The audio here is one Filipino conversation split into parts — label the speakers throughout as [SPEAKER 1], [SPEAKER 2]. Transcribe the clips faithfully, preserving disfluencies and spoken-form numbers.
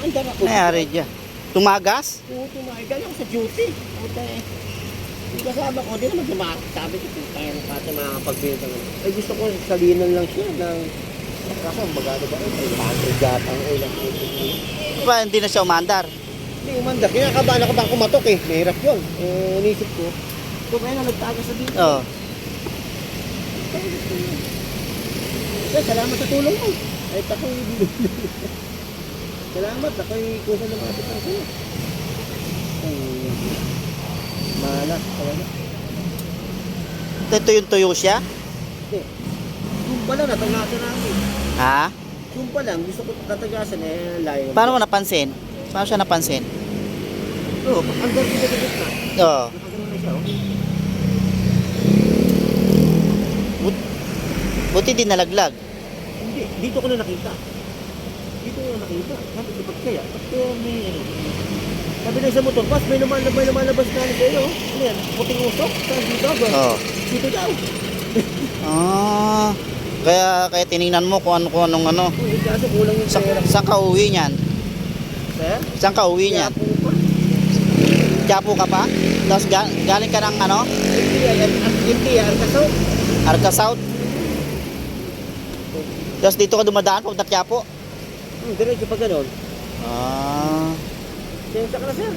[SPEAKER 1] Umaandar ako.
[SPEAKER 2] Nangyari dyan. Tumagas?
[SPEAKER 1] Oo, tumahay. Galing ako sa duty. Puta eh. Yung kasama ko, di naman tumakas. Sabi ko, kaya na pati makakapagbenta ng... Ay, gusto ko salinan lang siya ng... Kaso, ang magano ba? Ay, one yata ang ulang.
[SPEAKER 2] Pa, hindi na siya umandar.
[SPEAKER 1] Hindi, umandar. Kinakabahan ako bang kumatok eh. Mahirap yun. Eh, inisip ko. Ito kaya na nagtagas sa dito.
[SPEAKER 2] Oo.
[SPEAKER 1] Eh, salamat sa tulong mo. Kahit ako'y... Salamat, ako'y kusa na mga bitang sa'yo. Ay... Malas, talaga.
[SPEAKER 2] Ito yung tuyo siya?
[SPEAKER 1] Hindi. Yung pala, natagasan namin.
[SPEAKER 2] Ha?
[SPEAKER 1] Yung pa lang, gusto ko tatagasan eh, layo.
[SPEAKER 2] Paano mo napansin? Paano siya napansin?
[SPEAKER 1] Oo, ang dami na gagawin na.
[SPEAKER 2] Oo.
[SPEAKER 1] Nakagano na siya, oh.
[SPEAKER 2] But, buti din nalaglag.
[SPEAKER 1] Hindi, dito ko na nakita. Dito ko na nakita. Sabi ko, ba't kaya? Ba't kaya may ano? Sabi na isang motor, pas may lumalabas, may lumalabas na ano sa'yo. Ano yan? Puting usok? Saan dito?
[SPEAKER 2] Oo.
[SPEAKER 1] Dito daw.
[SPEAKER 2] Ah, kaya kaya tiningnan mo kung ano kung anong ano.
[SPEAKER 1] Uy, kaso kulang yung
[SPEAKER 2] Sa,
[SPEAKER 1] pera.
[SPEAKER 2] saan ka uwi niyan?
[SPEAKER 1] Sir?
[SPEAKER 2] Saan ka uwi niyan?
[SPEAKER 1] Kaya po pa.
[SPEAKER 2] Quiapo ka pa? Tapos ga, galing ka ng ano?
[SPEAKER 1] Hindi yan, hindi yan, kaso.
[SPEAKER 2] Arca South? Tapos dito ka dumadaan papunta Quiapo?
[SPEAKER 1] Hmm, diretso pa ganun.
[SPEAKER 2] Ah.
[SPEAKER 1] Sensya ka na, sir.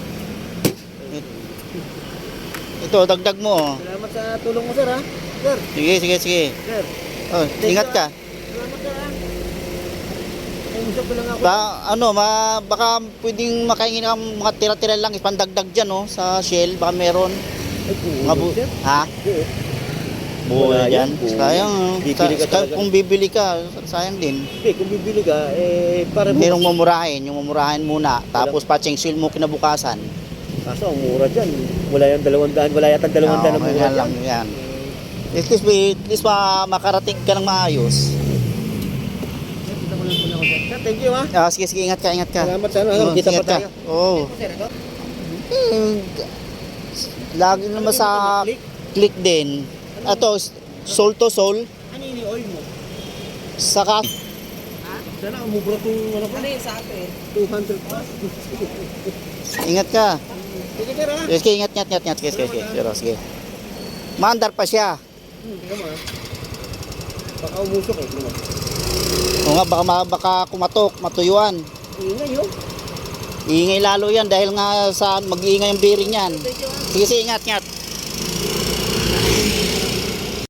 [SPEAKER 2] Ito, dagdag mo. Oh.
[SPEAKER 1] Salamat sa tulong mo, sir, ha? Sir,
[SPEAKER 2] Sige, sige, sige.
[SPEAKER 1] sir.
[SPEAKER 2] Oh, ingat ka.
[SPEAKER 1] Salamat, sir, ha? Ay, usap ko lang ako.
[SPEAKER 2] Ba, ano, ma, baka pwedeng makaingin ng mga tira-tira lang, ipandagdag dyan, oh, sa Shell, baka meron.
[SPEAKER 1] Ay, buo,
[SPEAKER 2] Mga bu
[SPEAKER 1] sir.
[SPEAKER 2] ha?
[SPEAKER 1] Buo.
[SPEAKER 2] Buo
[SPEAKER 1] Wala
[SPEAKER 2] dyan.
[SPEAKER 1] yan, buo.
[SPEAKER 2] Sayang, oh.
[SPEAKER 1] Bibili ka
[SPEAKER 2] Sa-
[SPEAKER 1] talaga.
[SPEAKER 2] kung bibili ka, sayang din.
[SPEAKER 1] Okay, kung bibili ka, eh, para mo.
[SPEAKER 2] Merong mamurahin, yung mamurahin muna, tapos patching seal mo kinabukasan.
[SPEAKER 1] Kaso, ang mura dyan. Wala yung dalawang daan, wala yata dalawang daan
[SPEAKER 2] Oo,
[SPEAKER 1] na mura
[SPEAKER 2] ganyan
[SPEAKER 1] dyan.
[SPEAKER 2] lang yan. At least, at least ma makarating ka ng maayos.
[SPEAKER 1] Kita ko lang muna ako dyan. Sir, thank you, ha?
[SPEAKER 2] Ah, sige, sige, ingat ka, ingat ka.
[SPEAKER 1] Salamat sa ano,
[SPEAKER 2] Oo,
[SPEAKER 1] kita pa
[SPEAKER 2] ingat ka.
[SPEAKER 1] tayo.
[SPEAKER 2] Oo.
[SPEAKER 1] Sir, ito?
[SPEAKER 2] Eh, lagi naman sa click din. Ito, soul to soul.
[SPEAKER 1] Ano yun yung oil mo?
[SPEAKER 2] Saka,
[SPEAKER 1] Sana umubra itong ano pa?
[SPEAKER 3] Ano yun sa akin?
[SPEAKER 1] two hundred plus.
[SPEAKER 2] ingat ka.
[SPEAKER 1] Sige, sir, ha?
[SPEAKER 2] Sige, ingat, ingat, ingat, ingat. Sige, sige, sige. Sige, sige. Maandar pa siya.
[SPEAKER 1] Hmm, tingnan mo, ha? Baka umusok, eh. Tingnan mo.
[SPEAKER 2] O nga, baka, ma- baka kumatok, matuyuan.
[SPEAKER 1] Ingay, yun.
[SPEAKER 2] Iingay lalo yan dahil nga sa mag-iingay ang bearing yan.
[SPEAKER 1] Thank you, ha?
[SPEAKER 2] Sige, sige, ingat, ingat.